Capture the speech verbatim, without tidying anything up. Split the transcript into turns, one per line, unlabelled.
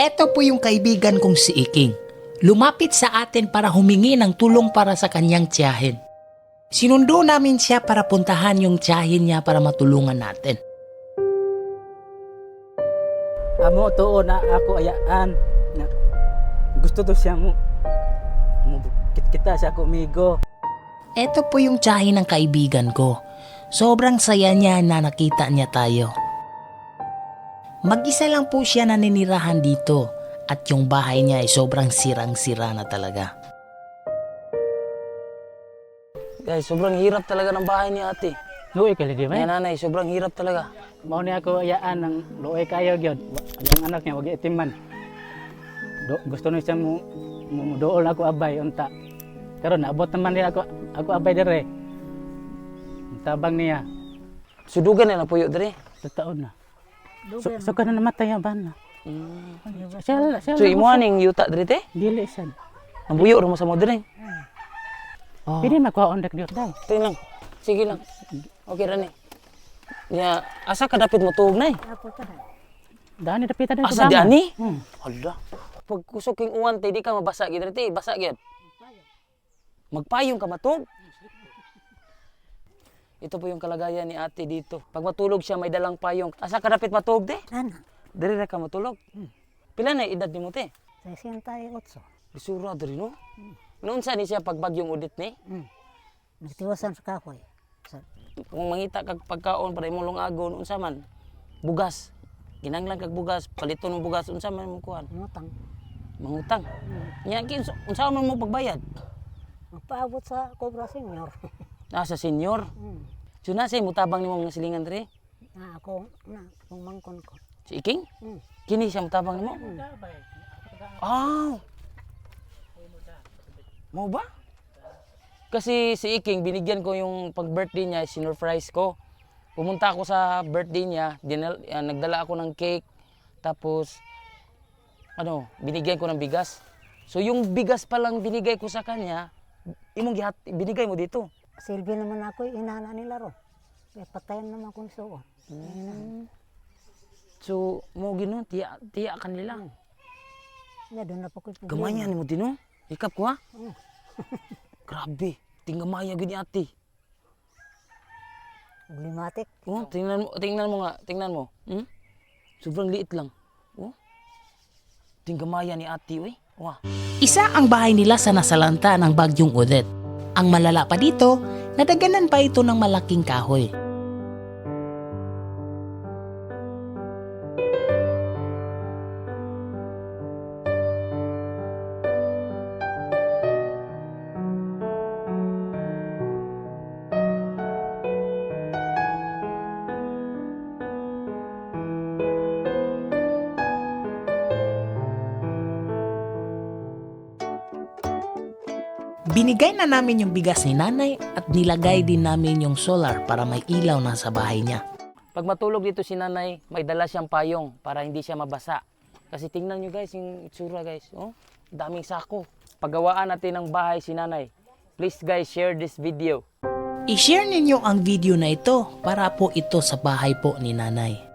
Eto po yung kaibigan kong si Iking. Lumapit sa atin para humingi ng tulong para sa kanyang tiyahin. Sinundo namin siya para puntahan yung tiyahin niya para matulungan natin.
Amo tuo na ako ayaan na gusto to siya mo mubukit kita siya ko amigo.
Eto po yung tiyahin ng kaibigan ko. Sobrang saya niya na nakita niya tayo. Mag-isa lang po siya naninirahan dito at yung bahay niya ay sobrang sirang-sira na talaga.
Guys, sobrang hirap talaga ng bahay ni ate.
Luoy ka di
Ay,
ba?
nanay, sobrang hirap talaga.
Mao ni ako ayaan ng luoy kayo gyud. Ang anak niya wag itiman. Do, gusto ni siya mo mo dool ako abay unta. Karon naabot naman niya ako ako abay dire. Tabang niya
Sudugan na na puyo dre.
sa taon na. So, so ka na namatay ang bana.
Mm.
Siya siya.
So imuhaning yuta dre te?
dili sad.
Ang buyo ra mo sa mo dre. Oh.
Pili makuha ondak diot dai.
Tingnan lang. Sige lang. Okay ra ni. Ya, asa ka dapit mo tuog nay?
Dani dapita din
Asa di ani?
Hmm.
Hala. Pag kusok king uwan te di ka mabasa gid dre te, basa gid. Magpayong ka matug. Ito po yung kalagayan ni ate dito. Pag matulog siya, may dalang payong. Asa ka dapit matulog, te?
Ana,
Diri ra ka matulog. Pila na edad nimo, te?
sesenta y ocho.
Bisura diri, no? Noon sa ni siya pag bagyong udit ni?
Hmm. Nagtiwasan sa kahoy. Sa,
Kung mangita kag pagkaon para imong lungagon, unsa man? Bugas. Ginanglan kag bugas, palito ng bugas, unsa man mo kuhan?
Ngutang.
Mangutang. Nya kin unsa man mo pagbayad?
Magpaabot sa Cobra Senior.
Ah, sa senior.
Hmm.
So na say mutabang nimo mga silingan diri?
Na ako, na, kung mangkon ko.
Si Iking?
Hmm.
Kini siya mutabang nimo? Ah. Mo ba? Kasi si Iking, binigyan ko yung pag-birthday niya, sinurprise ko. Pumunta ako sa birthday niya, dinal, uh, nagdala ako ng cake, tapos, ano, binigyan ko ng bigas. So yung bigas pa lang binigay ko sa kanya, imong gihat, binigay mo dito.
Silbi naman ako, inana nila ro. Kaya patayan naman kung so.
Hmm. So, mo gino, tiya, tiya kanila.
Na doon na po ko.
Gamayan mo dino? Ikap ko ha?
Hmm.
Grabe, tinggamaya gini ate.
Limatik.
Oh, tingnan mo, tingnan mo nga, tingnan mo. Hmm? Sobrang liit lang. Oh. Tinggamaya ni ate, oy. Wah.
Isa ang bahay nila sa nasalanta ng bagyong Odette. Ang malala pa dito, nadaganan pa ito ng malaking kahoy. Binigay na namin yung bigas ni nanay at nilagay din namin yung solar para may ilaw na sa bahay niya.
Pag matulog dito si nanay, may dala siyang payong para hindi siya mabasa. Kasi tingnan nyo guys, yung itsura guys. Oh, daming sako. Paggawaan natin ng bahay si nanay. Please guys, share this video.
I-share ninyo ang video na ito para po ito sa bahay po ni nanay.